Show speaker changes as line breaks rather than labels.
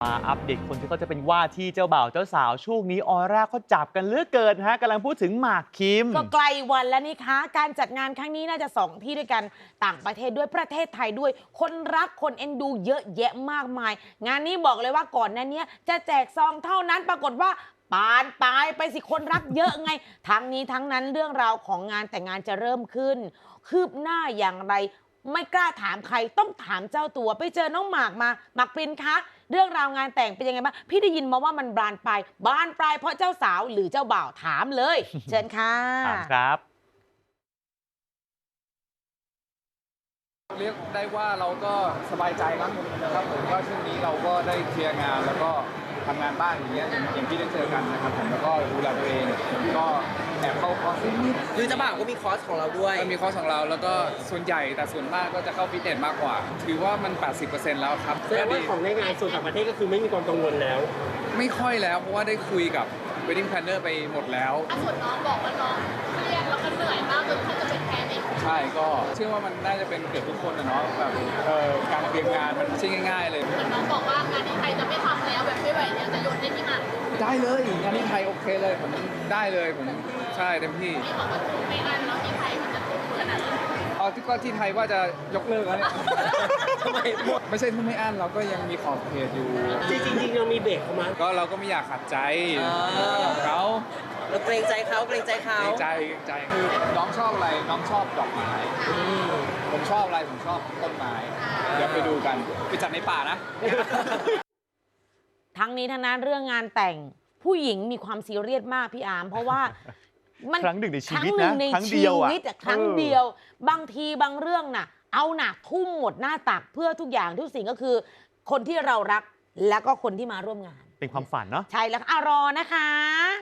มาอัปเดตคนที่เขาจะเป็นว่าที่เจ้าบ่าวเจ้าสาวช่วงนี้ออร่าเขาจับกันเหลือเกินฮะกำลังพูดถึงหมากคิม
ก็ใกล้วันแล้วนี่คะการจัดงานครั้งนี้น่าจะ2ที่ด้วยกันต่างประเทศด้วยประเทศไทยด้วย คนรักคนเอ็นดูเยอะแยะมากมาย งานนี้บอกเลยว่าก่อนหน้านี้จะแจกซองเท่านั้นปรากฏว่าปานปลายไปสิคนรักเยอะไงทั้งนี้ทั้งนั้นเรื่องราวของงานแต่งงานจะเริ่มขึ้น คืบหน้าอย่างไร ไม่กล้าถามใครต้องถามเจ้าตัวไปเจอน้องหมากมาหมากปรินคะเรื่องราวงานแต่งเป็นยังไงบ้างพี่ได้ยินมาว่ามันบานปลายเพราะเจ้าสาวหรือเจ้าบ่าวถามเลย เชิญค่ะ
ถามครับ
เรียกได้ว่าเราก็สบายใจนะครับผมก็ช่วงนี้เราก็ได้เคลียร์งานแล้วก็ทำงานบ้านอย่างเงี้ยอย่างที่ได้เจอกันนะครับผมแล้วก็ดูแลตัวเองก็แอบเข้าคอร์สนิด
คือเจ้าบ่าวก็มีคอร์สของเราด้วย
ก็มีคอร์สของเราแล้วก็ส่วนใหญ่แต่ส่วนมากก็จะเข้าฟิตเนสมากกว่าถือว่ามัน 80% แล้วครับ
แสดงว่าของในงานส่วนต่างประเทศก็คือไม่มีความกังวลแล้ว
ไม่ค่อยแล้วเพราะว่าได้คุยกับ wedding planner ไปหมดแล้ว
ส่วนน้องบอกว่าน้องเครียดแล้วก็เหนื่อยมากจนเขาจะเป็นแพนิค
ใช่ก็เชื่อว่ามันน่าจะเป็นเกือบทุกคนนะเนาะแบบการเตรียมงานมันไม่ใช่ง่ายๆเลย
เหมือนน้องบอกว่างานที่ไทยจะไม่ทำแล้วแบบไม่ไหวแล้วจะโยนให้ที่หมาก
ได้เลยงานที่ไทยโอเคเลยผมได้เลยผมใช่เต็มที่
ที่บอกว่าทุ่มไม่อันแล้วที่ไทยมันจะทุ่มขนาดไหน
เอาที่ก็ที่ไทยว่าจะยกเลิกแล้วเนี่ย
ทำไมหมด
ไม่ใช่ทุ่มไม่อั้นเราก็ยังมีขอบเขตอยู่
จริงๆเรามีเบรกเขามา
ก็เราก็ไม่อยากขัดใจเขา
เราเกรงใจเขาเกรงใจเขา
เกรงใจคือน้องชอบอะไรน้องชอบดอกไม้ผมชอบอะไรผมชอบต้นไม้เดี๋ยวไปดูกันไปจัดในป่านะ
ทั้งนี้ทั้งนั้นเรื่องงานแต่งผู้หญิงมีความซีเรียสมากพี่อาร์มเพราะว่ามัน
ครั้งหนึ่งในชีวิตนะ
ครั้งหนึ่งใน
ครั้ง
ชี
เดียวอะ
วิตอะครั้งเดียว บางทีบางเรื่องน่ะเอาหนักทุ่มหมดหน้าตักเพื่อทุกอย่างทุกสิ่งก็คือ คนที่เรารักแล้วก็คนที่มาร่วมงาน
เป็นความฝันเนาะ
ใช่แล้วค่ะรอนะคะ